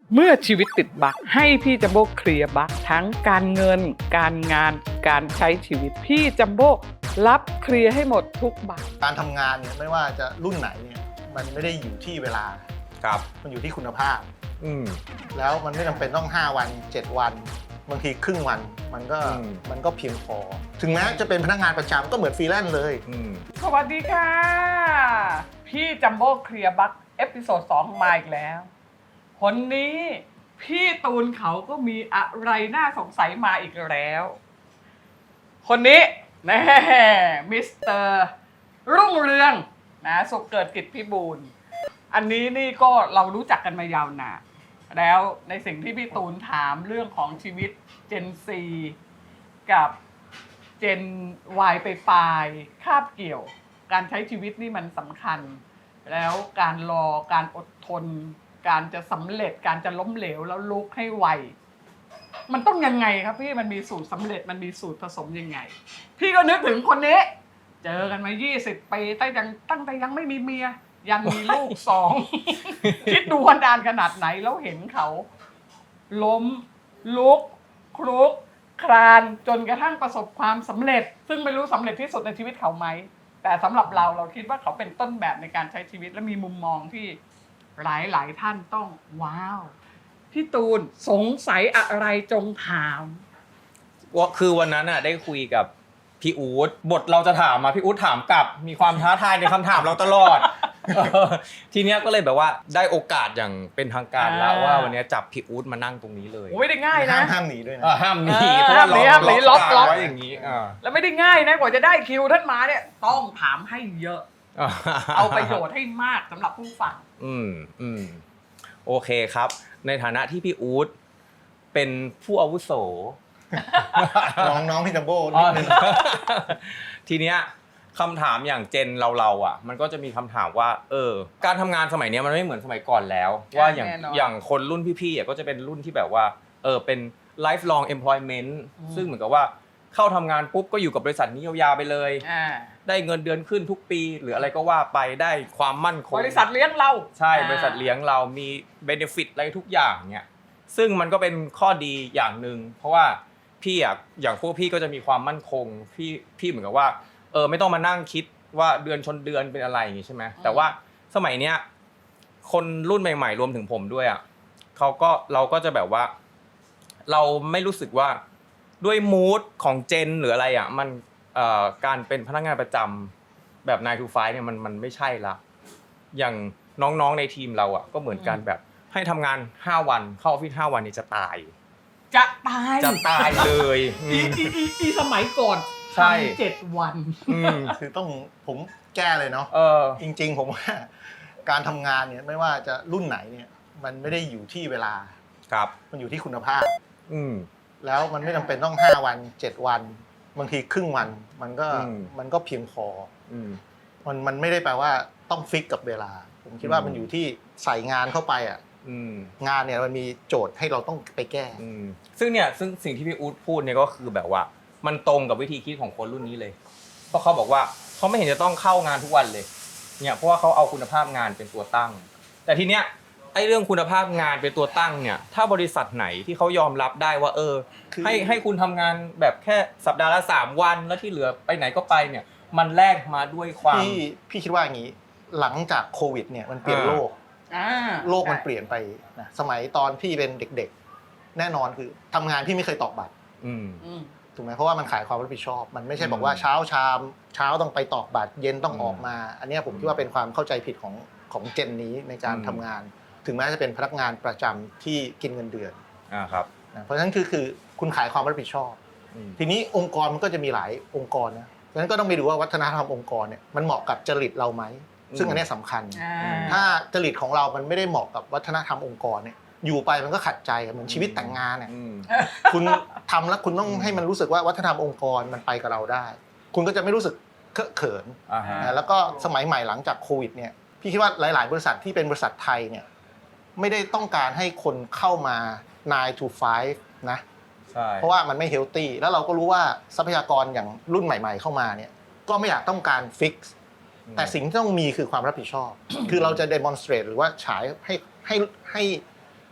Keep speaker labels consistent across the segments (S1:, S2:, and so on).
S1: เมื่อชีวิตติดบั๊กให้พี่จัมโบ้เคลียร์บั๊กทั้งการเงินการงานการใช้ชีวิตพี่จัมโบ้รับเคลียร์ให้หมดทุกบั๊ก
S2: การทำงานเนี่ยไม่ว่าจะรุ่นไหนเนี่ยมันไม่ได้อยู่ที่เวลา
S3: ครับ
S2: มันอยู่ที่คุณภาพ
S3: แล้ว
S2: มันไม่จำเป็นต้อง5วัน7วันบางทีครึ่งวันมันก็เพียงพอถึงแม้จะเป็นพนักงานประจำก็เหมือนฟรีแลนซ์เลย
S1: สวัสดีค่ะพี่จัมโบ้เคลียร์บั๊กเอพิโซด2มาอีกแล้วคนนี้พี่ตูนเขาก็มีอะไรน่าสงสัยมาอีกแล้วคนนี้แน่มิสเตอร์รุ่งเรืองนะสุขเกิดกิจพิบูลอันนี้นี่ก็เรารู้จักกันมายาวนานแล้วในสิ่งที่พี่ตูนถามเรื่องของชีวิต Gen Z กับ Gen Y ไปปลายคาบเกี่ยวการใช้ชีวิตนี่มันสำคัญแล้วการรอการอดทนการจะสำเร็จการจะล้มเหลวแล้วลุกให้ไวมันต้องยังไงครับพี่มันมีสูตรสำเร็จมันมีสูตรผสมยังไงพี่ก็นึกถึงคนนี้เจอกันมา20 ปีตั้งแต่ยังไม่มีเมียยังมีลูก2 คิดดูวันดานขนาดไหนแล้วเห็นเขาล้มลุกคลุกคลานจนกระทั่งประสบความสำเร็จซึ่งไม่รู้สำเร็จที่สุดในชีวิตเขาไหมแต่สำหรับเราคิดว่าเขาเป็นต้นแบบในการใช้ชีวิตและมีมุมมองที่หลายท่านต้องว้าวพี่ตูนสงสัยอะไรจงถาม
S3: ว่าคือวันนั้นน่ะได้คุยกับพี่อู๊ดบทเราจะถามมาพี่อู๊ดถามกลับมีความท้าทายในคำถามเราตลอด ทีเนี้ยก็เลยแบบว่าได้โอกาสอย่างเป็นทางการแล้วว่าวันนี้จับพี่อู๊ดมานั่งตรงนี้เลย
S1: ไม่ได้ง่ายนะ
S2: ห้ามหนีด้วยนะ
S3: ห้ามหนีเพราะว่าล็อกไว้อย่างนี้
S1: แล้วไม่ได้ง่ายนะกว่าจะได้คิวท่านมาเนี่ยต้องถามให้เยอะเอาประโยชน์ให้มากสำหรับผู้ฟัง
S3: โอเคครับในฐานะที่พี่อู๊ดเป็นผู้อาวุโส
S2: น้องพี่จัมโบ้นิดนึง
S3: ทีเนี้ยคำถามอย่างเจนเราอ่ะมันก็จะมีคำถามว่าการทำงานสมัยนี้มันไม่เหมือนสมัยก่อนแล้วว่าอย่างคนรุ่นพี่ๆก็จะเป็นรุ่นที่แบบว่าเป็น lifelong employment ซึ่งเหมือนกับว่าเข้าทำงานปุ๊บก็อยู่กับบริษัทนี้ยาวๆไปเลยได้เงินเดือนขึ้นทุกปีหรืออะไรก็ว่าไปได้ความมั่นคง
S1: บริษัทเลี้ยงเรา
S3: ใช่บริษัทเลี้ยงเรามี benefit อะไรทุกอย่างเนี่ยซึ่งมันก็เป็นข้อดีอย่างนึงเพราะว่าพี่อ่ะอย่างพวกพี่ก็จะมีความมั่นคงพี่เหมือนกับว่าไม่ต้องมานั่งคิดว่าเดือนชนเดือนเป็นอะไรอย่างงี้ใช่ไหมแต่ว่าสมัยเนี้ยคนรุ่นใหม่ๆรวมถึงผมด้วยอ่ะเราก็จะแบบว่าเราไม่รู้สึกว่าด้วยมูดของเจนหรืออะไรอ่ะมันการเป็นพนักงานประจำแบบ9 to 5เนี่ยมันไม่ใช่ละอย่างน้องๆในทีมเราอ่ะก็เหมือนกันแบบให้ทำงาน5วันเข้าออฟฟิศ5วันนี่จะตายเลย
S1: อีสมัยก่อน
S3: ใช่
S1: 7 วัน
S2: คือต้องผมแก้เลยเนาะจริงๆผมว่าการทำงานเนี่ยไม่ว่าจะรุ่นไหนเนี่ยมันไม่ได้อยู่ที่เวลา
S3: ครับ
S2: มันอยู่ที่คุณภาพแล้วมันไม่จำเป็นต้อง5วัน7วันบางทีครึ่งวันมันก็เพียงพอมันไม่ได้แปลว่าต้องฟิกกับเวลาผมคิดว่ามันอยู่ที่ใส่งานเข้าไปอ่ะงานเนี่ยมันมีโจทย์ให้เราต้องไปแก้
S3: ซึ่งสิ่งที่พี่อู๊ดพูดเนี่ยก็คือแบบว่ามันตรงกับวิธีคิดของคนรุ่นนี้เลยเพราะเขาบอกว่าเขาไม่เห็นจะต้องเข้างานทุกวันเลยเนี่ยเพราะว่าเขาเอาคุณภาพงานเป็นตัวตั้งแต่ทีเนี้ยไอ้เรื่องคุณภาพงานเป็นตัวตั้งเนี่ยถ้าบริษัทไหนที่เขายอมรับได้ว่าให้คุณทำงานแบบแค่สัปดาห์ละ3วันแล้วที่เหลือไปไหนก็ไปเนี่ยมันแลกมาด้วยความ
S2: พี่คิดว่าอย่างนี้หลังจากโควิดเนี่ยมันเปลี่ยนโลกมันเปลี่ยนไปนะสมัยตอนพี่เป็นเด็กๆแน่นอนคือทำงานพี่ไม่เคยตอกบัตรถูกไหมเพราะว่ามันขายความรับผิดชอบมันไม่ใช่บอกว่าเช้าต้องไปตอกบัตรเย็นต้องออกมาอันนี้ผมคิดว่าเป็นความเข้าใจผิดของเจนนี้ในการทำงานถึงแม้จะเป็นพนักงานประจำที่กินเงินเดือน
S3: ครับ
S2: เพราะฉะนั้นคือคุณขายความรับผิดชอบทีนี้องค์กรมันก็จะมีหลายองค์กรนะเพราะฉะนั้นก็ต้องไปดูว่าวัฒนธรรมองค์กรเนี่ยมันเหมาะกับจริตเราไหมซึ่งอันนี้สำคัญถ้าจริตของเรามันไม่ได้เหมาะกับวัฒนธรรมองค์กรเนี่ยอยู่ไปมันก็ขัดใจเหมือนชีวิตแต่งงานเนี่ยคุณทำแล้วคุณต้องให้มันรู้สึกว่าวัฒนธรรมองค์กรมันไปกับเราได้คุณก็จะไม่รู้สึกเคอะเขินแล้วก็สมัยใหม่หลังจากโควิดเนี่ยพี่คิดว่าหลายๆบริษัทที่เป็นบริษัทไทยเนี่ยไม่ได้ต้องการให้คนเข้ามา9 to 5นะเพราะว่ามันไม่เฮลตี้แล้วเราก็รู้ว่าทรัพยากรอย่างรุ่นใหม่ๆเข้ามาเนี่ยก็ไม่อยากต้องการฟิกซ์แต่สิ่งที่ต้องมีคือความรับผิดชอบคือเราจะ demonstrate หรือว่าฉายให้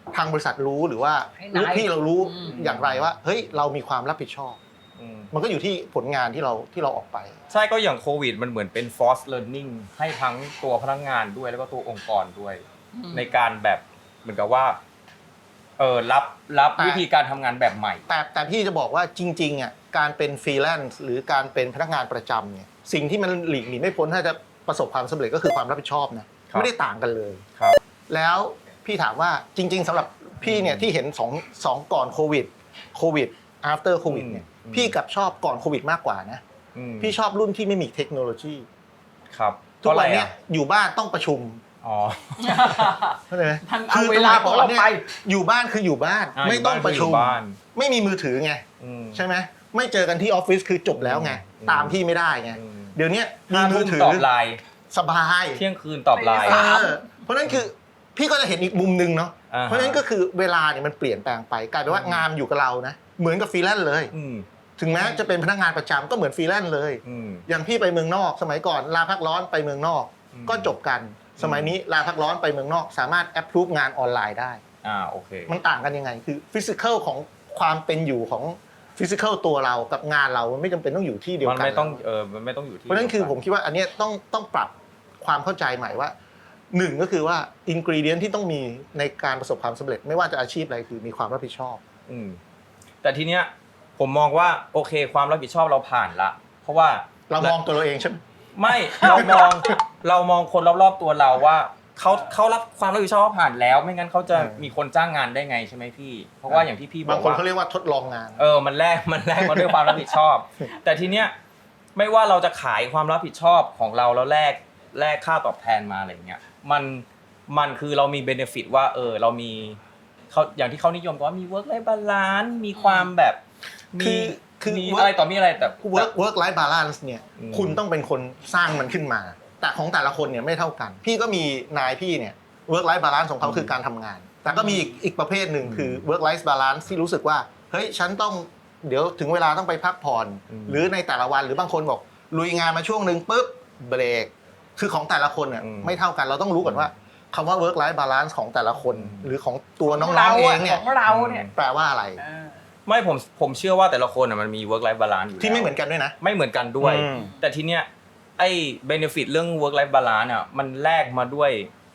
S2: ทางบริษัทรู้หรือว่า
S1: ให้
S2: ลู
S1: นาย
S2: กพี่เรารู้
S1: อืม
S2: อย่างไรว่าเฮ้ยเรามีความรับผิดชอบ มันก็อยู่ที่ผลงานที่เราออกไป
S3: ใช่ก็อย่างโควิดมันเหมือนเป็น force learning ให้ทั้งตัวพนักงานด้วยแล้วก็ตัวองค์กรด้วย ในการแบบเหมือนกับว่ารับ
S2: แต่
S3: วิธีการทำงานแบบใหม่
S2: แต่พี่จะบอกว่าจริงๆอ่ะการเป็นฟรีแลนซ์หรือการเป็นพนักงานประจำเนี่ยสิ่งที่มันหลีกหนีไม่พ้นถ้าจะประสบความสำเร็จก็คือความรับผิดชอบนะครับ ไม่ได้ต่างกันเลย
S3: ครับ
S2: แล้วพี่ถามว่าจริง ๆสำหรับพี่เนี่ยที่เห็นสองก่อนโควิด after โควิดเนี่ยพี่กลับชอบก่อนโควิดมากกว่านะพี่ชอบรุ่นที่ไม่มีเทคโนโลยี
S3: ครับ
S2: ทุกวันเนี้ยอยู่บ้านต้องประชุม
S3: อ๋อ
S2: เข้าใจไหม
S1: ท่านเอาเวลาของเราไป
S2: อยู่บ้านคืออยู่บ้าน
S3: อ่า
S2: ไม่ต้องประชุม
S3: อยู่บ้าน
S2: ไม่มีมือถือไง ใช่ไหมไม่เจอกันที่ออฟฟิศคือจบแล้วไง
S3: อืม
S2: ตามพี่ไม่ได้ไง
S3: อืม
S2: เดี๋ยวนี้มี
S3: 5
S2: มื
S3: ทุ่
S2: อ
S3: ม
S2: ถือ
S3: ตอบไลน์
S2: สบาย
S3: เที่ยงคืนตอบไลน์
S1: ไม่ได้
S2: เพราะฉะนั้นคือพี่ก็จะเห็นอีกมุมหนึงเนาะ
S3: อ่าฮะ
S2: เพราะฉะนั้นก็คือเวลาเนี่ยมันเปลี่ยนแปลงไปกลายเป็นว่างานอยู่กับเรานะเหมือนกับฟรีแลนซ์เลย
S3: อืม
S2: ถึงแม้จะเป็นพนักงานประจำก็เหมือนฟรีแลนซ์เลย
S3: อืม
S2: อย่างพี่ไปเมืองนอก สมัยก่อนลาพักร้อนไปเมืองนอก
S3: อืม
S2: ก็จบกัน สมัยนี้ลาพักร้อนไปเมืองนอก สามารถแอปพรูฟงานออนไลน์ได้
S3: โอเค
S2: มันต่างกันยังไง คือฟิสิกอลของความเป็นอยู่ของฟิสิกอลตัวเรากับงานเรามันไม่จำเป็นต้องอยู่ที่เดียว
S3: มัน
S2: กัน
S3: ไม่ต้องมันไม่ต้องอยู่ที่
S2: เพราะฉะนั้นคือผมคิดว่าอันเนี้ยต้องปรับความเข้าใจใหม่ว่าหนึ่งก็คือว่าอินกรีเดียนที่ต้องมีในการประสบความสำเร็จไม่ว่าจะอาชีพอะไรคือมีความรับผิดชอบ
S3: อืมแต่ทีเนี้ยผมมองว่าโอเคความรับผิดชอบเราผ่านละ เพราะว่า
S2: เรามองตัวเราเองใช่ไหม
S3: ไม่ เรามองคนรอบๆตัวเราว่าเขารับความรับผิดชอบผ่านแล้ว ไม่งั้นเขาจะมีคนจ้างงานได้ไงใช่ไหมพี่ เพราะว่าอย่างที่พี่บ
S2: บา
S3: อง ก
S2: คน
S3: ว่า
S2: เขาเรียกว่าทดลองงาน
S3: มันแลกมาด้วยความรับผิดชอบ แต่ทีเนี้ยไม่ว่าเราจะขายความรับผิดชอบของเราแล้วแลกค่าตอบแทนมาอะไรเงี้ยมันคือเรามีเบเนฟิตว่าเรามีเขาอย่างที่เขานิยมกันว่ามี work life balance มีความแบบมี
S2: คือ
S3: มีอะไรต่อมีอะไรแต่
S2: work life balance เนี่ย
S3: อืม
S2: คุณต้องเป็นคนสร้างมันขึ้นมา แต่ของแต่ละคนเนี่ยไม่เท่ากัน พี่ก็มีนายพี่เนี่ย work life balance ของเขาคือการทำงาน แต่ก็มีอีกประเภทหนึ่งคือ work life balance ที่รู้สึกว่าเฮ้ยฉันต้องเดี๋ยวถึงเวลาต้องไปพักผ่อน หรือในแต่ละวันหรือบางคนบอกลุยงานมาช่วงหนึ่งปุ๊บเบรกคือของแต่ละคนเนี่ยไม่เท่ากันเราต้องรู้ก่อนว่าคำว่า work life balance ของแต่ละคน หรือของตัวน้องๆเองเนี่ย
S1: ของเราเนี่ย
S2: แปลว่าอะไร
S3: ไม่ผมเชื่อว่าแต่ละคนมันมี work life balance อยู่
S2: ที่ไม่
S3: แล้ว
S2: เหมือนกันด้วยนะ
S3: ไม่เหมือนกันด้วย
S2: อืม
S3: แต่ทีเนี้ยไอ้ benefit เรื่อง work life balance มันแลกมาด้วย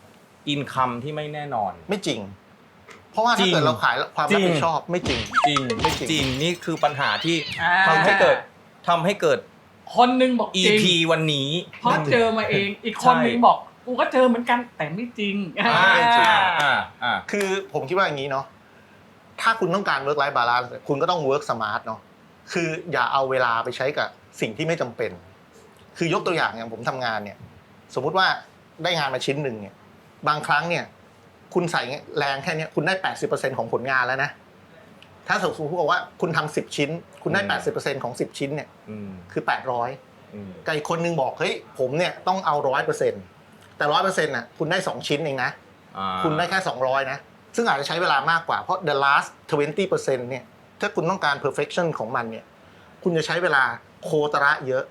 S3: income ที่ไม่แน่นอน
S2: ไม่จริง เพราะว่า
S3: จริ
S2: ถ้าง เกิดเราขายความรับผิดชอบไม่จริง
S3: จริง
S2: ไม่จริง
S3: จริงนี่คือปัญหาที่
S1: อ่า
S3: ทำให้เกิด
S1: คนหนึงบอกจริง
S3: EP วันนี้
S1: เพราะเจอมาเอง อีกคนหนึงบอกกูก็เจอเหมือนกันแต่ไม่จริง
S2: คือผมคิดว่าอย่างนี้เนาะถ้าคุณต้องการ work life balance คุณก็ต้อง work smart เนาะคืออย่าเอาเวลาไปใช้กับสิ่งที่ไม่จำเป็น คือยกตัวอย่างผมทำงานเนี่ยสมมุติว่าได้งานมาชิ้นหนึ่งเนี่ยบางครั้งเนี่ยคุณใส่แรงแค่เนี้ยคุณได้ 80% ของผลงานแล้วนะถ้าสมมติบอกว่าคุณทำ10 ชิ้น คุณได้ 80% ของ10 ชิ้นเนี่ยคือ800กับอีกคนนึงบอกเฮ้ยผมเนี่ยต้องเอา 100%แต่ 100% น่ะคุณได้2ชิ้นเองนะคุณได้แค่200นะซึ่งอาจจะใช้เวลามากกว่าเพราะ the last 20% เนี่ยถ้าคุณต้องการ perfection ของมันเนี่ยคุณจะใช้เวลาโคตระเยอะ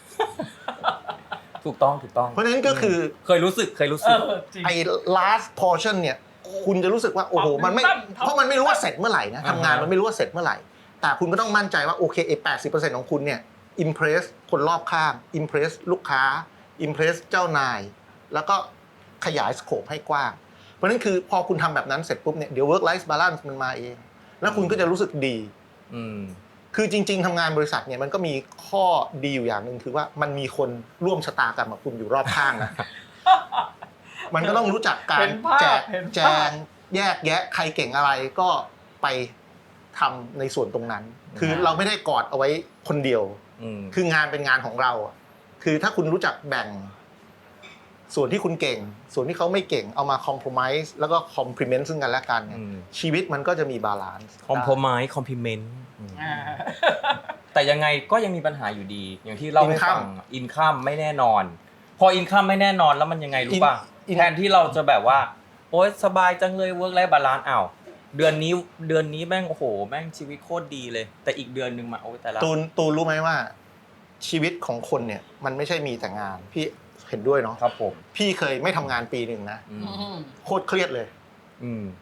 S3: ถูกต้อง
S2: เพราะฉะนั้นก็คือ
S3: เคยรู้สึก
S1: จริง
S2: ไอ้ last portion เนี่ยคุณจะรู้สึกว่าโอ้โหมันไม่เพราะมันไม่รู้ว่าเสร็จเมื่อไหร่นะทำงานมันไม่รู้ว่าเสร็จเมื่อไหร่แต่คุณก็ต้องมั่นใจว่าโอเคไอ้ 80% ของคุณเนี่ย impress คนรอบข้าง impress ลูกค้า impress เจ้านาย แล้วก็ขยายสโคปให้กว้างเพราะฉะนั้นคือพอคุณทำแบบนั้นเสร็จปุ๊บเนี่ยเดี๋ยว work life balance มันมาเองแล้วคุณก็จะรู้สึกดีคือจริงๆทำงานบริษัทเนี่ยมันก็มีข้อดีอยู่อย่างหนึ่งคือว่ามันมีคนร่วมชะตากรรมกับคุณอยู่รอบข้างนะ มันก็ต้องรู้จักการแจงแยกแยะใครเก่งอะไรก็ไปทำในส่วนตรงนั้น คือเราไม่ได้กอดเอาไว้คนเดียวคืองานเป็นงานของเราคือถ้าคุณรู้จักแบ่งส่วนที่คุณเก่งส่วนที่เขาไม่เก่งเอามาคอมโพรไมซ์แล้วก็คอมพลีเมนต์ซึ่งกันและกันชีวิตมันก็จะมีบาลานซ์
S3: compromise compliment แต่ยังไงก็ยังมีปัญหาอยู่ดีอย่างที่เล่าให้ฟังอินคัมไม่แน่นอนพออินคัมไม่แน่นอนแล้วมันยังไงรู้ป่ะแทนที่เราจะแบบว่าโอ๊ยสบายจังเลย work life balance อ้าวเดือนนี้แม่งโอ้โหแม่งชีวิตโคตรดีเลยแต่อีกเดือนนึงมาโอ๊ยแต่ละ
S2: ตูนรู้ไหมว่าชีวิตของคนเนี่ยมันไม่ใช่มีแต่งานพี่เห็นด้วยเนาะ
S3: ครับผม
S2: พี่เคยไม่ทำงานปีหนึ่งนะโคตรเครียดเลย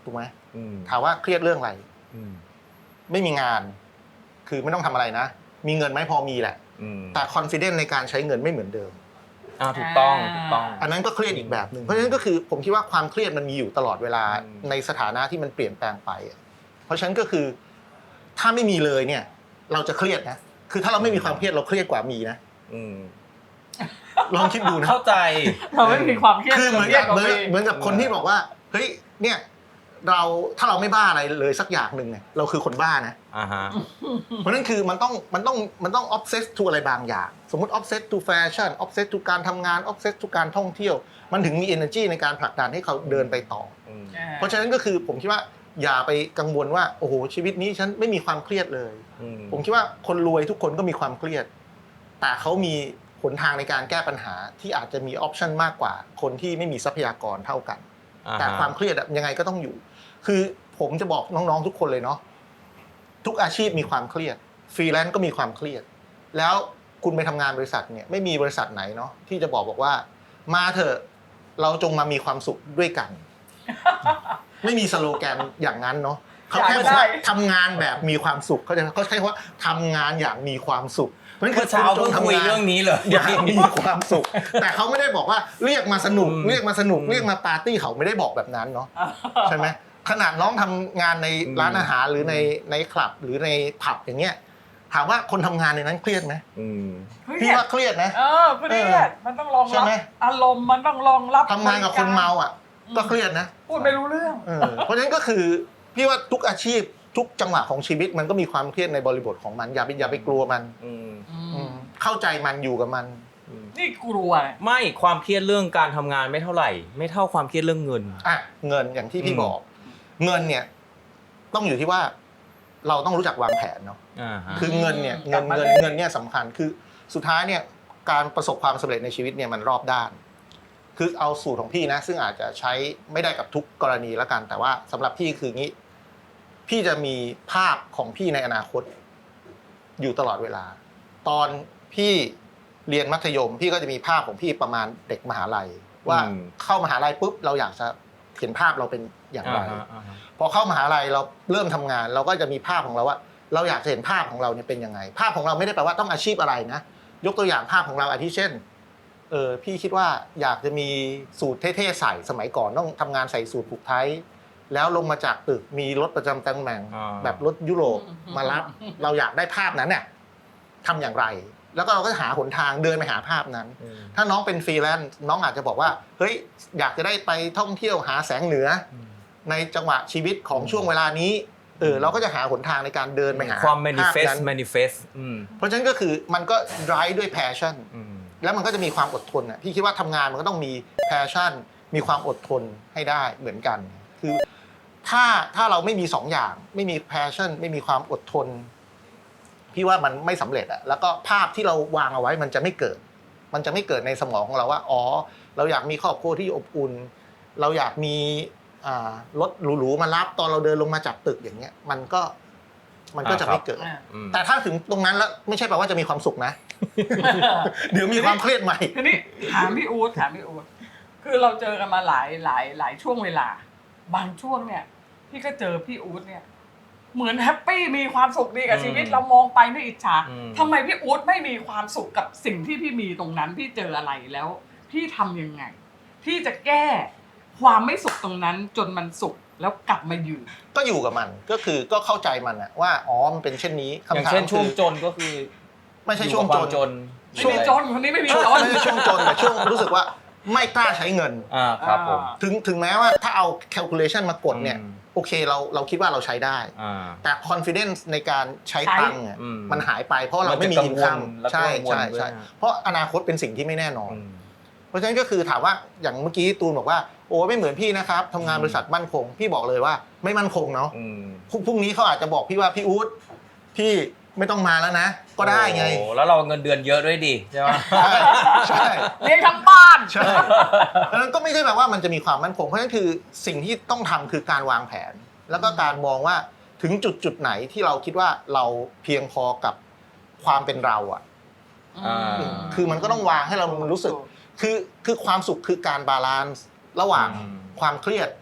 S2: ถูกไหม
S3: อืม
S2: ถามว่าเครียดเรื่องอะไร
S3: อืม
S2: ไม่มีงาน คือไม่ต้องทำอะไรนะ มีเงินไหมพอมีแหละ
S3: อืม
S2: แต่ confidence ในการใช้เงินไม่เหมือนเดิม
S3: ถูกต้องถูกต้อง
S2: อันนั้นก็เครียดอีกแบบหนึ่งเพราะฉะนั้นก็คือผมคิดว่าความเครียดมันมีอยู่ตลอดเวลา
S3: อืม
S2: ในสถานะที่มันเปลี่ยนแปลงไปอะเพราะฉะนั้นก็คือถ้าไม่มีเลยเนี่ย เราจะเครียดนะคือถ้าเราไม่มีความเครียดเราเครียดกว่ามีนะ
S3: อืม
S2: ลองคิดดูนะ
S3: เข้าใจ
S1: เราไม่มีความเครียด
S2: คือเหมือน
S1: เครีย
S2: กั
S1: ด
S2: บ
S1: กว่ามี
S2: เหมือนกับคนที่บอกว่าเฮ้ยเนี่ยถ้าเราไม่บ้าอะไรเลยสักอย่างหนึ่งเนี่ยเราคือคนบ้านะ
S3: อ่าฮะ
S2: เพราะนั้นคือมันต้อง obsess to อะไรบางอย่าง สมมติ obsess to fashion obsess to การทำงาน obsess to การท่องเที่ยว มันถึงมี energy ในการผลักดันให้เขาเดินไปต่อ
S3: อืม
S2: เพราะฉะนั้นก็คือผมคิดว่าอย่าไปกังวลว่าโอ้โหชีวิตนี้ฉันไม่มีความเครียดเลย
S3: อืม
S2: ผมคิดว่าคนรวยทุกคนก็มีความเครียด แต่เขามีหนทางในการแก้ปัญหาที่อาจจะมีออปชันมากกว่าคนที่ไม่มีทรัพยากรเท่ากัน แต่ความเครียดอะยังไงก็ต้องอยู่ คือผมจะบอกน้องๆทุกคนเลยเนาะ ทุกอาชีพมีความเครียด ฟรีแลนซ์ก็มีความเครียด แล้วคุณไปทำงานบริษัทเนี่ยไม่มีบริษัทไหนเนาะที่จะบอกว่ามาเถอะเราจงมามีความสุขด้วยกัน ไม่มีสโลแกนอย่างนั้นเนาะเขาแค่บอกว่าทำงานแบบมีความสุขเขาใช้คำว่าทำงานอย่างมีความสุข
S3: เมื่อเช้าเพิ่งคุยเรื่องนี้เลย
S2: อย่างมีความสุข แต่เขาไม่ได้บอกว่าเรียกมาสนุก
S3: อืม
S2: เรียกมาสนุกเรียกมาปาร์ตี้เขาไม่ได้บอกแบบนั้นเนาะใช่ไหมขนาดน้องทำงานในร้านอาหารหรือในคลับหรือในผับอย่างเงี้ยถามว่าคนทำงานในนั้นเครียดไหม
S3: อืม
S2: พี่ว่าเครียดนะ
S1: เครียดมันต้องรอง
S2: ใช่
S1: รับ
S2: ไหม
S1: อารมณ์มันต้องรองรับ
S2: ทำงานกับคนเมาอ่ะก็เครียดนะ
S1: พูดไม่รู้เรื่อง
S2: เพราะฉะนั้นก็คือพี่ว่าทุกอาชีพทุกจังหวะของชีวิตมันก็มีความเครียดในบริบทของมันอย่าไปกลัวมัน
S3: อืม
S2: เข้าใจมันอยู่กับมัน
S1: นี่กลัว
S3: ไม่ความเครียดเรื่องการทำงานไม่เท่าไหร่ ไม่เท่าความเครียดเรื่องเงิน
S2: อ่ะเงินอย่างที่พี่บอก เงินเนี่ยต้องอยู่ที่ว่าเราต้องรู้จักวางแผนเนาะ คือเงินเนี่ยเงินเนี่ยสำคัญคือสุดท้ายเนี่ยการประสบความสำเร็จในชีวิตเนี่ยมันรอบด้าน คือเอาสูตรของพี่นะซึ่งอาจจะใช้ไม่ได้กับทุกกรณีแล้วกัน แต่ว่าสำหรับพี่คืองี้พี่จะมีภาพของพี่ในอนาคต อยู่ตลอดเวลา ตอนพี่เรียนมัธยม พี่ก็จะมีภาพของพี่ประมาณเด็กมหาลัย ว่าเข้ามหาลัยปุ๊บเราอยากจะเห็นภาพเราเป็นอย่างไร พอเข้ามหาลัยเราเริ่มทำงาน เราก็จะมีภาพของเราว่า เราอยากจะเห็นภาพของเราเนี่ยเป็นยังไง ภาพของเราไม่ได้แปลว่าต้องอาชีพอะไรนะยกตัวอย่างภาพของเราอาทิเช่นพี่คิดว่าอยากจะมีสูทเท่ๆใส่สมัยก่อนต้องทำงานใส่สูทผูกไทแล้วลงมาจากตึกมีรถประจำตำแหน่งแบบรถยุโรปมารับ เราอยากได้ภาพนั้นเนี่ยทำอย่างไร แล้วก็เราก็หาหนทางเดินไปหาภาพนั้น ถ้าน้องเป็นฟรีแลนซ์น้องอาจจะบอกว่าเฮ้ยอยากจะได้ไปท่องเที่ยวหาแสงเหนือในจังหวะชีวิตของช่วงเวลานี้เราก็จะหาหนทางในการเดินไปหา
S3: ความ
S2: ภาพนั้น
S3: manifest
S2: เพราะฉะนั้นก็คือมันก็ drive ด้วย passion แล้วมันก็จะมีความอดทนพี่คิดว่าทำงานมันก็ต้องมี passion มีความอดทนให้ได้เหมือนกัน คือถ้าเราไม่มีสองอย่างไม่มี passion ไม่มีความอดทนพี่ว่ามันไม่สำเร็จอะแล้วก็ภาพที่เราวางเอาไว้มันจะไม่เกิดในสมองของเราว่าอ๋อเราอยากมีครอบครัวที่อบอุ่นเราอยากมีรถหรูๆมารับตอนเราเดินลงมาจากตึกอย่างเงี้ยมันก็จะไม่เกิดแต่ถ้าถึงตรงนั้นแล้วไม่ใช่แปลว่าจะมีความสุขนะ เดี๋ยวมีความเครียดใหม่
S1: ทีนี้ถามพี่อู๊ดคือเราเจอกันมาหลายช่วงเวลาบางช่วงเนี่ยพี่ก็เจอพี่อู๊ดเนี่ยเหมือนแฮปปี้มีความสุขดีกับชีวิตเรามองไปด้วยอิจฉาทำไมพี่อู๊ดไม่มีความสุขกับสิ่งที่พี่มีตรงนั้นพี่เจออะไรแล้วพี่ทำยังไงที่จะแก้ความไม่สุขตรงนั้นจนมันสุขแล้วกลับมาอยู่
S2: ก็อยู่กับมันก็เข้าใจมันอะว่าอ๋อมันเป็นเช่นนี้
S3: อย่างเช่นช่วงจนก็คือ
S2: ไม่ใช่ช่วงจน
S1: ไม่มีจนคนนี้ไม่มีจน
S2: ไม่ใช่ช่วงจนแต่ช่วงรู้สึกว่าไม่กล้าใช้เงิน
S3: ครับผม
S2: ถึงแม้ว่าถ้าเอา calculation มากดเนี่ยโอเคเราคิดว่าเราใช้ได้แต่ confidence ในการใช้ตังค์มันหายไปเพราะเราไม่มี income ใช่เพราะอนาคตเป็นสิ่งที่ไม่แน่นอนเพราะฉะนั้นก็คือถามว่าอย่างเมื่อกี้ตูนบอกว่าโอ้ไม่เหมือนพี่นะครับทำงานบริษัทมั่นคงพี่บอกเลยว่าไม่มั่นคงเนาะพรุ่งนี้เขาอาจจะบอกพี่ว่าพี่อู๊ดพี่ไม่ต้องมาแล้วนะก็ได้ไง
S3: แล้วเราเงินเดือนเยอะด้วยดิใช่ไหม
S2: ใช่
S1: เลี้ยงทั้งบ้าน
S2: ใช่ดังนั้นก็ไม่ใช่แบบว่ามันจะมีความมั่นคงเพราะฉะนั้นคือสิ่งที่ต้องทำคือการวางแผนแล้วก็การมองว่าถึงจุดไหนที่เราคิดว่าเราเพียงพอกับความเป็นเราอ่ะคือมันก็ต้องวางให้เรารู้สึกคือความสุขคือการบาลานซ์ระหว่างความเครียด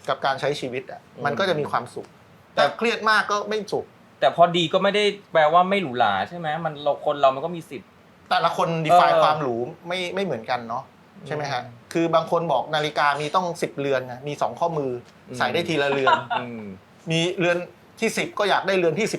S2: กับการใช้ชีวิตอ่ะมันก็จะมีความสุขแต่เครียดมากก็ไม่สุข
S3: แต่พอดีก็ไม่ได้แปลว่าไม่หรูหราใช่ไหมมันเรามันก็มีสิทธิ์
S2: แต่ละคน define
S3: เออ
S2: ความหรูไม่เหมือนกันเนาะใช่ไหมฮะคือบางคนบอกนาฬิกามีต้อง10เรือนนะมี2ข้อมือใส่ได้ทีละเรือน มีเรือนที่10ก็อยากได้เรือนที่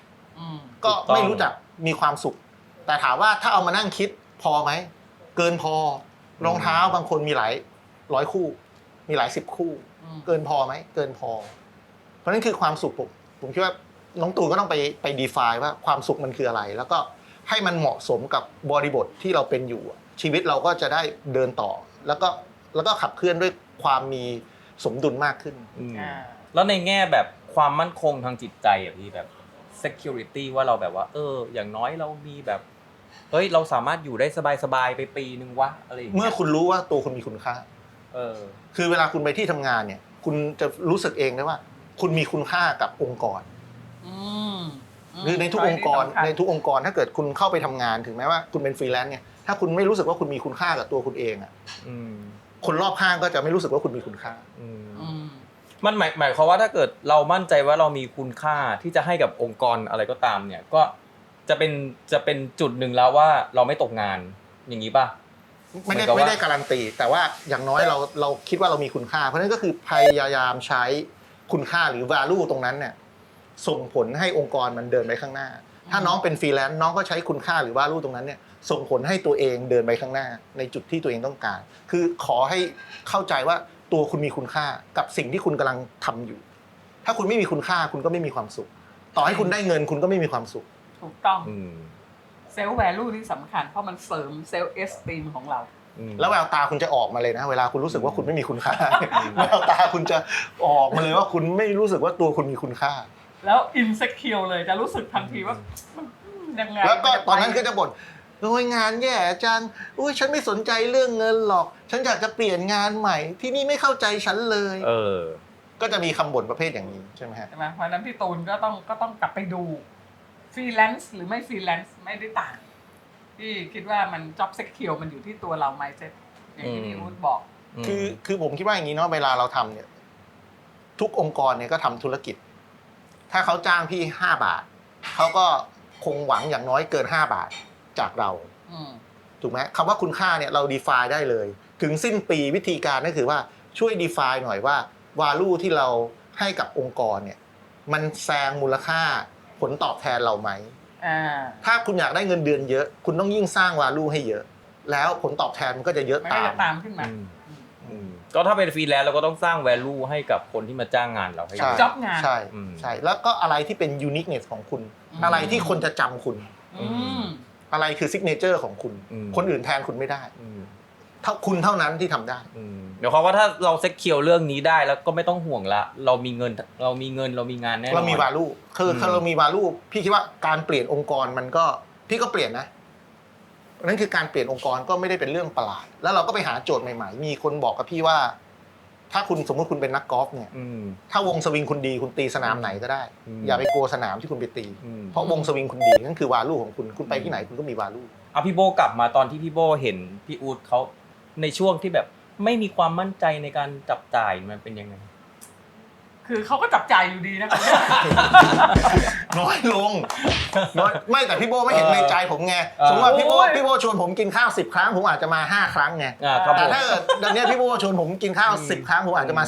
S2: 11ก็ไม่รู้จักมีความสุข แต่ถามว่าถ้าเอามานั่งคิดพอไหมเกินพอรองเท้าบางคนมีหลายร้อยคู่ มีหลาย10คู่เกินพอไหมเกินพอ เพราะนั่นคือความสุขผมคิดว่าน้องตูนก็ต้องไป define ว่าความสุขมันคืออะไร แล้วก็ให้มันเหมาะสมกับบริบทที่เราเป็นอยู่ชีวิตเราก็จะได้เดินต่อแล้วก็ขับเคลื่อนด้วยความมีสมดุลมากขึ้น
S3: แล้วในแง่แบบความมั่นคงทางจิตใจอ่ะพี่แบบ security ว่าเราแบบว่าอย่างน้อยเรามีแบบเฮ้ยเราสามารถอยู่ได้สบายๆไปปีนึงวะอะไรอย่างเงี้ย
S2: เมื่อคุณรู้ว่าตัวคุณมีคุณค่าคือเวลาคุณไปที่ทำงานเนี่ยคุณจะรู้สึกเองได้ว่า คุณมีคุณค่ากับองค์กรหรือในทุกองค์กรถ้าเกิดคุณเข้าไปทำงานถึงแม้ว่าคุณเป็นฟรีแลนซ์เนี่ยถ้าคุณไม่รู้สึกว่าคุณมีคุณค่ากับตัวคุณเองอ่ะคนรอบข้างก็จะไม่รู้สึกว่าคุณมีคุณค่า
S3: มันหมายความว่าถ้าเกิดเรามั่นใจว่าเรามีคุณค่าที่จะให้กับองค์กรอะไรก็ตามเนี่ยก็จะเป็นจุดหนึ่งแล้วว่าเราไม่ตกงานอย่างนี้ป่ะ
S2: ไม่ได้การันตีแต่ว่าอย่างน้อยเราคิดว่าเรามีคุณค่าเพราะนั้นก็คือพยายามใช้คุณค่าหรือ value ตรงนั้นเนี่ยส่งผลให้องค์กรมันเดินไปข้างหน้าถ้าน้องเป็นฟรีแลนซ์น้องก็ใช้คุณค่าหรือ value ตรงนั้นเนี่ยส่งผลให้ตัวเองเดินไปข้างหน้าในจุดที่ตัวเองต้องการคือขอให้เข้าใจว่าตัวคุณมีคุณค่ากับสิ่งที่คุณกำลังทำอยู่ถ้าคุณไม่มีคุณค่าคุณก็ไม่มีความสุขต่อให้คุณได้เงินคุณก็ไม่มีความสุข
S1: ถูกต้องเซลล์แวลูนี่สำคัญเพราะมันเสริมเซลล์เอสตีมของเรา
S2: แล้วแววตาคุณจะออกมาเลยนะเวลาคุณรู้สึกว่าคุณไม่มีคุณค่าแววตาคุณจะออกมาเลยว่าคุณไม่รู้สึกว่าตัวคุณมีคุณค่า
S1: แล้วอินเซคิวเลยจะรู้สึกทันทีว่ามันยังไง
S2: แล้วก็ตอนนั้นก็จะบ่นโอ้ยงานแย่จังอุ้ยฉันไม่สนใจเรื่องเงินหรอกฉันอยากจะเปลี่ยนงานใหม่ที่นี่ไม่เข้าใจฉันเลยก็จะมีคำบ่นประเภทอย่างนี้ใช่ไหมฮะ
S1: ใช่ไหมเพราะนั้นพี่ตูนก็ต้องกลับไปดูฟรีแลนซ์หรือไม่ฟรีแลนซ์ไม่ได้ต่างพี่คิดว่ามัน job secure มันอยู่ที่ตัวเรา mindset อย่างที่พี่อู๊ดบอก
S2: คือผมคิดว่าอย่างนี้เนาะเวลาเราทำเนี่ยทุกองค์กรเนี่ยก็ทำธุรกิจถ้าเขาจ้างพี่5 บาทเขาก็คงหวังอย่างน้อยเกิน5 บาทจากเราถูกไหมคำว่าคุณค่าเนี่ยเรา define ได้เลยถึงสิ้นปีวิธีการก็คือว่าช่วย define หน่อยว่า value ที่เราให้กับองค์กรเนี่ยมันแซงมูลค่าผลตอบแทนเราไหมถ้าคุณอยากได้เงินเดือนเยอะคุณต้องยิ่งสร้าง value ให้เยอะแล้วผลตอบแทนมันก็จะเยอะ
S1: ตามขึ้นมา
S3: ก็ถ้าเป็นฟรีแลนซ์เราก็ต้องสร้าง value ให้กับคนที่มาจ้างงานเราให้
S1: จ็อบงาน
S2: ใช่แล้วก็อะไรที่เป็น uniqueness ของคุณอะไรที่คนจะจำคุณอะไรคือ signature ของคุณคนอื่นแทนคุณไม่ได้ถ้าคุณเท่านั้นที่ทำได้
S3: เดี๋ยวเขาว่าถ้าเราเซ็กเคียวเรื่องนี้ได้แล้วก็ไม่ต้องห่วงละเรามีเงินเรามีงานแน่นอน
S2: เรามี value คือเรามี value พี่คิดว่าการเปลี่ยนองค์กรมันก็พี่ก็เปลี่ยนนะนั่นคือการเปลี่ยนองค์กรก็ไม่ได้เป็นเรื่องประหลาดแล้วเราก็ไปหาโจทย์ใหม่ๆมีคนบอกกับพี่ว่าถ้าคุณสมมติคุณเป็นนักกอล์ฟเนี่ยถ้าวงสวิงคุณดีคุณตีสนามไหนก็ได้อย่าไปกลัวสนามที่คุณไปตีเพราะวงสวิงคุณดีนั่นคือ value ของคุณไปที่ไหนคุณก็มี value
S3: พี่โบกลับมาตอนที่พี่โบเห็นพี่อู๊ดเขาในช่วงที่แบบไม่มีความมั่นใจในการจับจ่ายมันเป็นยังไง
S1: คือเขาก็จับจ่ายอยู่ดีนะครับ
S2: น้อยลงน้อยไม่แต่พี่โบไม่เห็นในใจผมไงสมมติว่าพี่โบชวนผมกินข้าว10 ครั้งผมอาจจะมา5 ครั้งไงแต่ถ้าดังนี้พี่โบชวนผมกินข้าว10 ครั้งผมอาจจะมา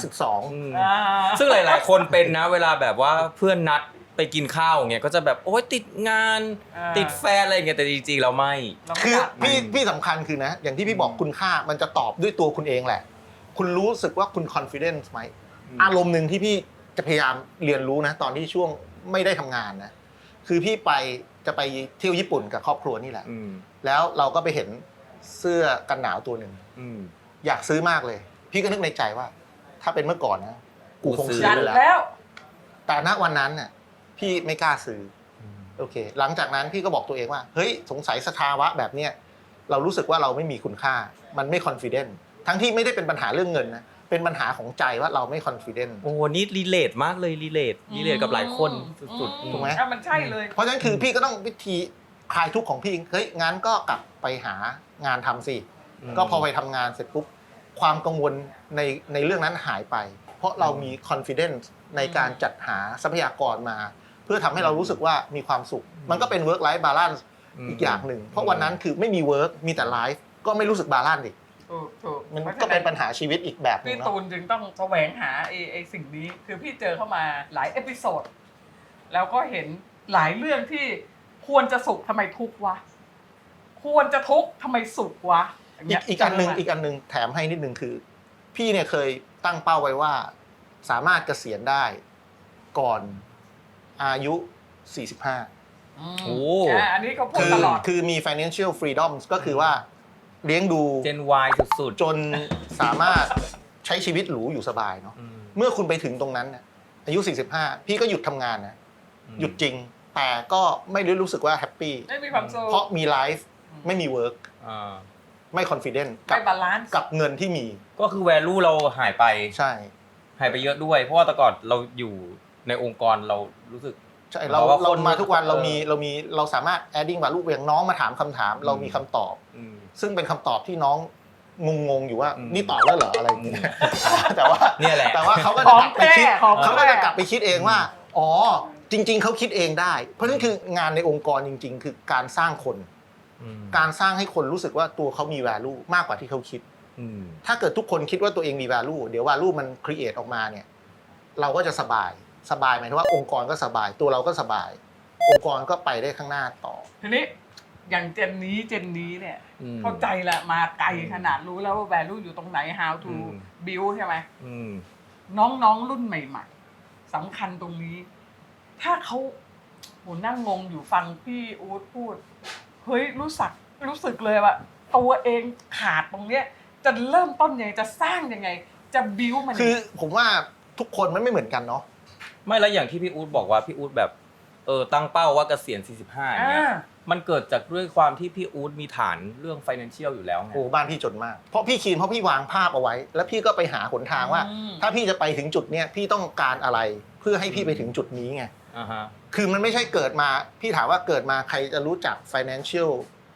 S2: 12
S3: ซึ่งหลายๆคนเป็นนะเวลาแบบว่าเพื่อนนัดไปกินข้าวอย่างเงี้ยก็จะแบบโอ๊ยติดงานติดแฟนอะไรอย่างเงี้ยแต่จริงๆเราไม่
S2: คือพี่สำคัญคือนะอย่างที่พี่บอกคุณค่ามันจะตอบด้วยตัวคุณเองแหละคุณรู้สึกว่าคุณ confidence ไหมอารมณ์หนึ่งที่พี่จะพยายามเรียนรู้นะตอนที่ช่วงไม่ได้ทำงานนะคือพี่จะไปเที่ยวญี่ปุ่นกับครอบครัวนี่แหละแล้วเราก็ไปเห็นเสื้อกันหนาวตัวหนึ่งอยากซื้อมากเลยพี่ก็นึกในใจว่าถ้าเป็นเมื่อก่อนนะกูคงซื้อแล้วแต่ณวันนั้นน่ะพี่ไม่กล้าซื้อโอเคหลังจากนั้นพี่ก็บอกตัวเองว่าเฮ้ยสงสัยสภาวะแบบเนี้ยเรารู้สึกว่าเราไม่มีคุณค่ามันไม่ confident ทั้งที่ไม่ได้เป็นปัญหาเรื่องเงินนะเป็นปัญหาของใจว่าเราไม่ confident
S3: โอ้นี่รีเลทมากเลยรีเลทกับหลายคนสุด
S1: ๆถูกไหมมันใช่เลย
S2: เพราะฉะนั้นคือพี่ก็ต้องวิธีคลายทุกข์ของพี่เฮ้ยงั้นก็กลับไปหางานทำสิก็พอไปทำงานเสร็จปุ๊บความกังวลในเรื่องนั้นหายไปพราะเรามี confidence ในการจัดหาทรัพยากรมา เพื่อทำให้เรารู้สึกว่ามีความสุข มันก็เป็น work life balance อีกอย่างหนึ่งเพราะวันนั้นคือไม่มี work มีแต่ life ก็ไม่รู้สึก balance อีก
S1: ถูก
S2: มันก็เป็นปัญหาชีวิตอีกแบบหนึ
S1: พี่
S2: งเนาะ
S1: ตูนจึงต้องแสวงหาไอ้สิ่งนี้ คือพี่เจอเข้ามาหลายเอพิโซดแล้วก็เห็นหลายเรื่องที่ควรจะสุขทำไมทุกข์วะควรจะทุกข์ทำไมสุขวะย่างเงี้ย
S2: อีกอันหนึ่งแถมให้นิดนึงคือ พี่เนี่ยเคยตั้งเป้าไว้ว่า สามารถเกษียณได้ก่อนอายุ 45
S3: โอ้
S1: อันนี้เขาพูด
S2: คือ
S1: ตลอด
S2: คือมี financial freedom ก็คือว่าเลี้ยงดู
S3: เจน Y สุด
S2: จนสามารถใช้ชีวิตหรูอยู่สบายเนาะ
S3: ๆ
S2: เมื่อคุณไปถึงตรงนั้นน่ะอายุ 45 พี่ก็หยุดทำงานนะหยุดจริง แต่ก็ไม่ได้รู้สึกว่าแฮปปี้
S1: ไม่มีความสุข
S2: เพราะมีไลฟ์ไม่มีเวิร์ก
S3: อ่า
S2: ไม่คอนฟ ident
S1: ไม่บาลานซ์
S2: กับเงินที่มี
S3: ก็คือ value เราหายไป
S2: ใช่
S3: หายไปเยอะด้วย เพราะว่าแต่ก่อนเราอยู่ในองค์กรเรารู้สึก
S2: ใช่
S3: เพราะว่า
S2: เรา
S3: คน
S2: มาทุกวันเราสามารถ adding value อย่างน้องมาถามคำถาม เรามีคำตอบ
S3: อืม
S2: ซึ่งเป็นคำตอบที่น้องงงๆอยู่ว่า
S3: อืม
S2: นี่ตอบแล้วเหรออะไรอย่างเงี้ยแต่ว่า
S3: เนี่ยแหละ
S2: แต่ว่าเขาก็
S1: ข
S2: จะ
S1: อง
S2: กลับไปคิด
S1: แท้ของแท้
S2: เขาก็จะกลับไปคิดเองว่าอ๋อจริง ๆเขาคิดเองได้ เพราะนั่นคืองานในองค์กรจริง ๆ คือการสร้างคน
S3: อืม
S2: การสร้างให้คนรู้สึกว่าตัวเขามี value มากกว่าที่เขาคิด
S3: อืม
S2: ถ้าเกิดทุกคนคิดว่าตัวเองมี value เดี๋ยว value มัน create ออกมาเนี่ยเราก็จะสบายหมายถึงว่าองค์กรก็สบายตัวเราก็สบาย องค์กรก็ไปได้ข้างหน้าต่อ
S1: ทีนี้อย่างเจนนี้เนี่ย
S3: อืม
S1: เข้าใจละมาไกลขนาดรู้แล้วว่า value อยู่ตรงไหน how to
S3: อืม
S1: build ใช่ไหม
S3: อืม
S1: น้องๆรุ่นใหม่ๆสำคัญตรงนี้ ถ้าเขาโหนั่งงงอยู่ฟังพี่อู๊ดพูด เฮ้ยรู้สึกเลยว่าตัวเองขาดตรงเนี้ย จะเริ่มต้นยังไงจะสร้างยังไง จะบิวมัน
S2: คือผมว่าทุกคนมันไม่เหมือนกันเนาะ
S3: ไม่แล้วอย่างที่พี่อู๊ดบอกว่าพี่อู๊ดแบบตั้งเป้าว่าเกษียณ 45อย่างเงี้ยมันเกิดจากด้วยความที่พี่อู๊ดมีฐานเรื่อง financial อยู่แล้วไง
S2: โอ้บ้านพี่จนมากเพราะพี่วางภาพเอาไว้ แล้วพี่ก็ไปหาหนทางว่า ถ้าพี่จะไปถึงจุดเนี้ยพี่ต้องการอะไรเพื่อให้พี่ไปถึงจุดนี้ไง
S3: อ่าฮะ
S2: คือมันไม่ใช่เกิดมาพี่ถามว่าเกิดมาใครจะรู้จัก financial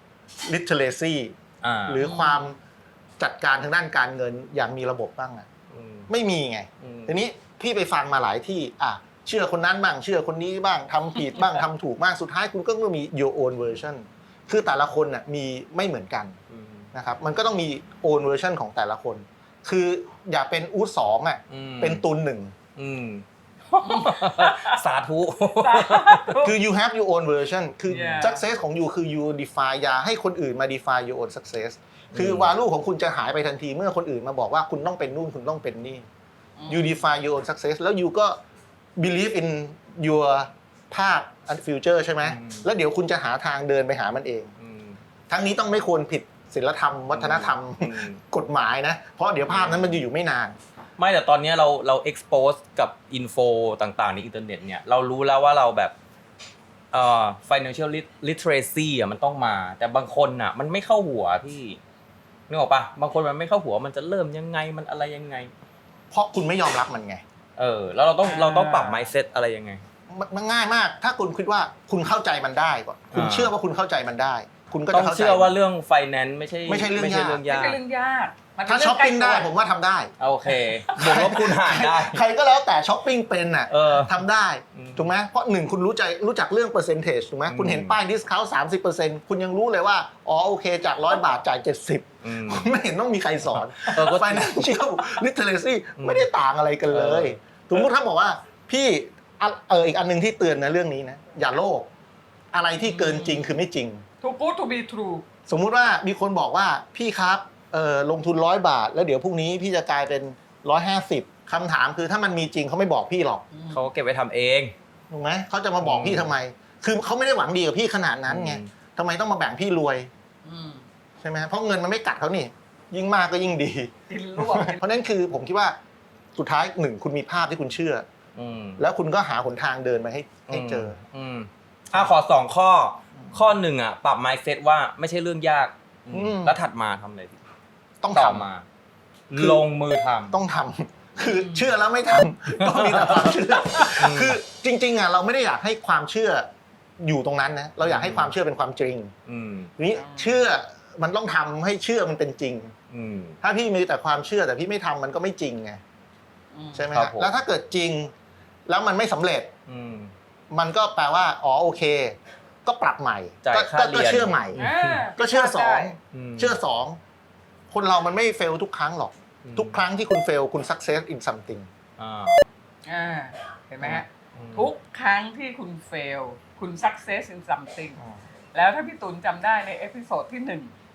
S2: literacy
S3: อ่า
S2: หรือความจัดการทางด้านการเงินอย่างมีระบบบ้างอะ
S3: อืม
S2: ไม่มีไง
S3: อืม
S2: ทีนี้พี่ไปฟังมาหลายที่เชื่อคนนั้นบ้างเชื่อคนนี้บ้างทำผิดบ้าง ทำถูกบ้างสุดท้ายคุณก็ต้องมี your own version คือแต่ละคนน่ะมีไม่เหมือนกัน
S3: อืม
S2: นะครับมันก็ต้องมี own version ของแต่ละคน คืออย่าเป็นอู๊ดสองอ่ะ
S3: อืม
S2: เป็นตุนหนึ่ง
S3: อืม สาธุ
S2: คือ you have your own version คือ
S1: Yeah.
S2: success ของ you คือ you define อย่าให้คนอื่นมา define your own success คือ value ของคุณจะหายไปทันทีเมื่อคนอื่นมาบอกว่าคุณต้องเป็นนู่นคุณต้องเป็นนี่ you define your own success แล้ว you ก็ believe in your ภาพ and future ใช่ไหม
S3: อืม
S2: แล้วเดี๋ยวคุณจะหาทางเดินไปหามันเอง
S3: อืม
S2: ทั้งนี้ต้องไม่ควรผิดศีลธรรม วัฒนธรรม
S3: อืม
S2: กฎหมายนะ เพราะเดี๋ยวภาพนั้นมันจะอยู่ไม่นาน
S3: ไม่แต่ตอนนี้เรา expose กับอินโฟต่างๆในอินเทอร์เน็ตเนี่ยเรารู้แล้วว่าเราแบบfinancial literacy อ่ะมันต้องมา แต่บางคนอ่ะมันไม่เข้าหัวพี่นึกออกปะบางคนมันไม่เข้าหัวมันจะเริ่มยังไงมันอะไรยังไง
S2: เพราะคุณไม่ยอมรับมันไง
S3: แล้วเราต้องปรับ mindset อะไรยังไง
S2: มันง่ายมาก ถ้าคุณคิดว่าคุณเข้าใจมันได้ก่อนคุณเชื่อว่าคุณเข้าใจมันได้ คุณก็
S3: ต้อ
S2: จะ
S3: ง
S2: เข้าใจ
S3: เชื่อว่าเรื่อง finance ไม่ใช้
S2: เรื่อง
S3: ไม่ใช่เรื่อง
S1: ไม่
S3: ยาก
S1: ใช่เรื่องยากมันเป็น
S2: ถ้า
S1: เรื่
S2: ช้อปปิ้งได้
S1: ใกล้ตัว
S2: ผมว่าทำได้
S3: โอเคบวกลบคูณหารได้
S2: ใครก็แล้วแต่ช้อปปิ้งเป็นน่ะ ทำได้
S3: อืม
S2: ถูกไหมเพราะหนึ่งคุณรู้จักเรื่อง percentage ถูกไหม
S3: อืม
S2: คุณเห็นป้าย discount 30%คุณยังรู้เลยว่าอ๋อโอเคจาก100 บาทจ่าย70
S3: อืม
S2: คุณไม่เห็นต้องมีใครสอน
S3: ก็
S2: financial literacy
S3: อืม
S2: ไม่ได้ต่างอะไรกันเลย
S3: เออ
S2: สมมติถ้าบอกว่าพี่อีกอันหนึงที่เตือนนะเรื่องนี้นะอย่าโลภอะไรที่เกินจริงคือไม่จริง
S1: too good to be true
S2: สมมุติว่ามีคนบอกว่าพี่ครับลงทุน100 บาท แล้วเดี๋ยวพรุ่งนี้พี่จะกลายเป็น150คำถามคือถ้ามันมีจริงเขาไม่บอกพี่หรอก
S3: เขาเก็บไว้ทำเอง
S2: ถูกไหมเขาจะมาบอกพี่ทำไม คือเขาไม่ได้หวังดีกับพี่ขนาดนั้นไง
S3: อืม
S2: ทำไมต้องมาแบ่งพี่รวย
S1: อืม
S2: ใช่ไหมเพราะเงินมันไม่กัดเขานี่ ยิ่งมากก็ยิ่งดี
S1: กินรวบ
S2: เพราะนั้นคือผมคิดว่าสุดท้ายหนึ่งคุณมีภาพที่คุณเชื่อ
S3: อืม
S2: แล้วคุณก็หาหนทางเดินมาให้เจอ
S3: ขอ2ข้อหนึ่งอ่ะปรับ mindset ว่าไม่ใช่เรื่องยาก
S2: อืม
S3: แล้วถัดมาทำอะไรดี
S2: ต้อง
S3: ต่อ
S2: ทำ
S3: มา
S2: คือ
S3: ลงมือทำ
S2: ต้องทำคือเชื่อแล้วไม่ทำต้องมีแต่ความเชื่ออคือจริงๆอ่ะเราไม่ได้อยากให้ความเชื่ออยู่ตรงนั้นนะเราอยากให้ความเชื่อเป็นความจริง
S3: อืม
S2: ทีนี้เชื่อมันต้องทำให้เชื่อมันเป็นจริง
S3: อืม
S2: ถ้าพี่มีแต่ความเชื่อแต่พี่ไม่ทำมันก็ไม่จริงไงใช่ไหม
S3: ครั
S2: ฮะ
S3: บผม
S2: แล้วถ้าเกิดจริงแล้วมันไม่สำเร็จ
S3: อืม
S2: มันก็แปลว่าอ๋อโอเค ก็ปรับใหม่
S3: จ่าย
S2: ก็
S3: ค่าเรียน
S2: ก็เชื่อใหม่ ก็เชื่อสอง
S3: ม
S2: เชื่อสองคนเรามันไม่เฟลทุกครั้งหรอก
S3: อืม
S2: ทุกครั้งที่คุณเฟลคุณ success in something
S3: อ่า
S1: เห็นไหมฮะ
S3: อืม
S1: ทุกครั้งที่คุณ fail คุณ success in something แล้วถ้าพี่ตุลจำได้ในเอพิโซดที่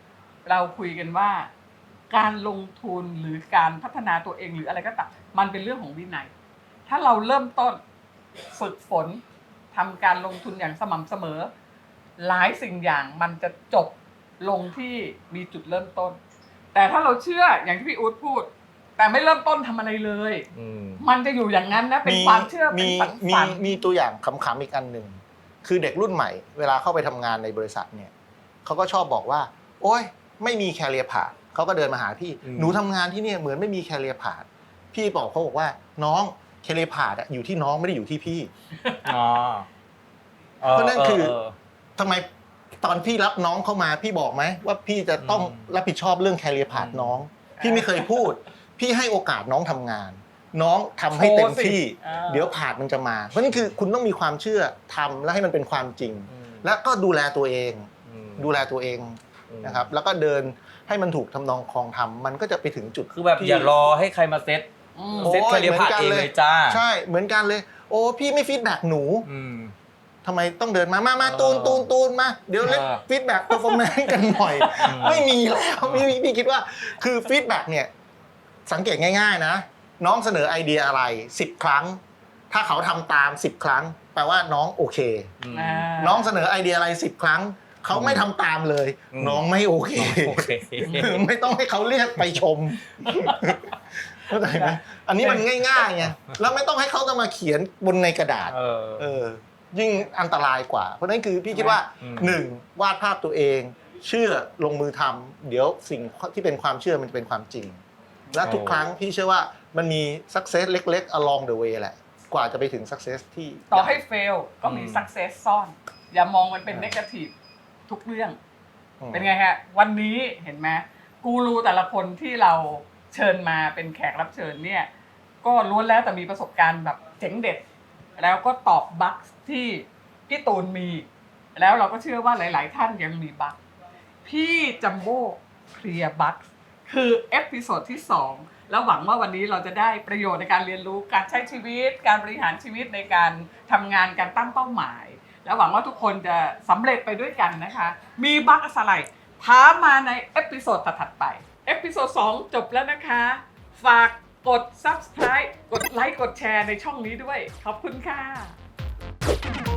S1: 1 เราคุยกันว่า การลงทุนหรือการพัฒนาตัวเองหรืออะไรก็ตามมันเป็นเรื่องของวินัย ถ้าเราเริ่มต้นฝึกฝนทำการลงทุนอย่างสม่ำเสมอ หลายสิ่งอย่างมันจะจบลงที่มีจุดเริ่มต้น แต่ถ้าเราเชื่ออย่างที่พี่อู๊ดพูด แต่ไม่เริ่มต้นทำอะไรเลย
S3: อืม
S1: มันจะอยู่อย่างนั้นนะเป็นความเชื่อเป็นฝัน
S2: มีมีตัวอย่างขำๆอีกอันหนึ่งคือเด็กรุ่นใหม่เวลาเข้าไปทำงานในบริษัทเนี่ยเขาก็ชอบบอกว่า โอ๊ยไม่มีแคเรียร์พาธเขาก็เดินมาหาพี่
S3: อืม
S2: หนูทำงานที่เนี่ยเหมือนไม่มีแคเรียร์พาธพี่บอกเขาบอกว่าน้องแคเรียร์พาธอยู่ที่น้องไม่ได้อยู่ที่พี่
S3: อ๋อ
S2: เพราะนั่นคือ ทำไมตอนพี่รับน้องเข้ามาพี่บอกไหมว่าพี่จะต้องรับผิดชอบเรื่องแคเรียร์พาธน้อง พี่ไม่เคยพูด พี่ให้โอกาสน้องทำงาน น้องทำให้เต็มที่ เดี๋ยวพาธมันจะมา เพราะนั่นคือคุณต้องมีความเชื่อทำแล้วให้มันเป็นความจริง
S3: อืม
S2: แล้วก็ดูแลตัวเอง
S3: อืม
S2: ดูแลตัวเองนะครับ แล้วก็เดินให้มันถูกทำนองคลองธรรมมันก็จะไปถึงจุด
S3: คือแบบ
S2: ที่
S3: อย่ารอให้ใครมาเซ็ต
S2: โอ้ย
S3: เซ็ตแคเรียร์พาธเองเลยจ้า
S2: ใช่เหมือนกันเลย โอ้พี่ไม่ฟีดแบ็กหนู
S3: อืม
S2: ทำไมต้องเดินมาตูนมาเดี๋ยวเล่น
S3: เออ
S2: ฟีดแบ็กเปอร์ฟอร์แมนซ์กันหน่อย
S3: อืม
S2: ไม่มีแล้วพี่คิดว่าคือฟีดแบ็กเนี่ยสังเกตง่ายๆนะ น้องเสนอไอเดียอะไร10 ครั้ง ถ้าเขาทำตาม10 ครั้ง แปลว่าน้องโอเค
S3: อืม
S2: น้องเสนอไอเดียอะไร10 ครั้ง เขาไม่ทำตามเลย
S3: อืม
S2: น้องไม่โอเค
S3: โอเค
S2: ไม่ต้องให้เขาเรียกไปชมเข้าใจไหมอันนี้มันง่ายๆไงแล้วไม่ต้องให้เขาต้องมาเขียนบนในกระดาษ ยิ่งอันตรายกว่า เพราะฉะนั้นคือพี่คิดว่า
S3: อืม
S2: 1. วาดภาพตัวเอง เชื่อลงมือทำเดี๋ยวสิ่งที่เป็นความเชื่อมันจะเป็นความจริง และทุกครั้งพี่เชื่อว่ามันมี success เล็กๆ along the way แหละ กว่าจะไปถึง success ที่
S1: ต่อให้ fail ก็มี success ซ่อน อย่ามองมันเป็น negative ทุกเรื่อง เป็นไงฮะ วันนี้เห็นไหมกูรูแต่ละคนที่เราเชิญมาเป็นแขกรับเชิญเนี่ย ก็ล้วนแล้วแต่มีประสบการณ์แบบเจ๋งเด็ด แล้วก็ตอบบั๊กที่พี่ตูนมี แล้วเราก็เชื่อว่าหลาย ๆ ท่านยังมีบั๊กพี่จัมโบ้เคลียร์บั๊กคือเอพิโซดที่ 2 แล้วหวังว่าวันนี้เราจะได้ประโยชน์ในการเรียนรู้การใช้ชีวิต การบริหารชีวิตในการทำงานการตั้งเป้าหมาย แล้วหวังว่าทุกคนจะสำเร็จไปด้วยกันนะคะ มีบั๊กอะไรท้ามาในเอพิโซดถัดๆไป เอพิโซด 2 จบแล้วนะคะ ฝากกด Subscribe กดไลค์ กดแชร์ในช่องนี้ด้วย ขอบคุณค่ะ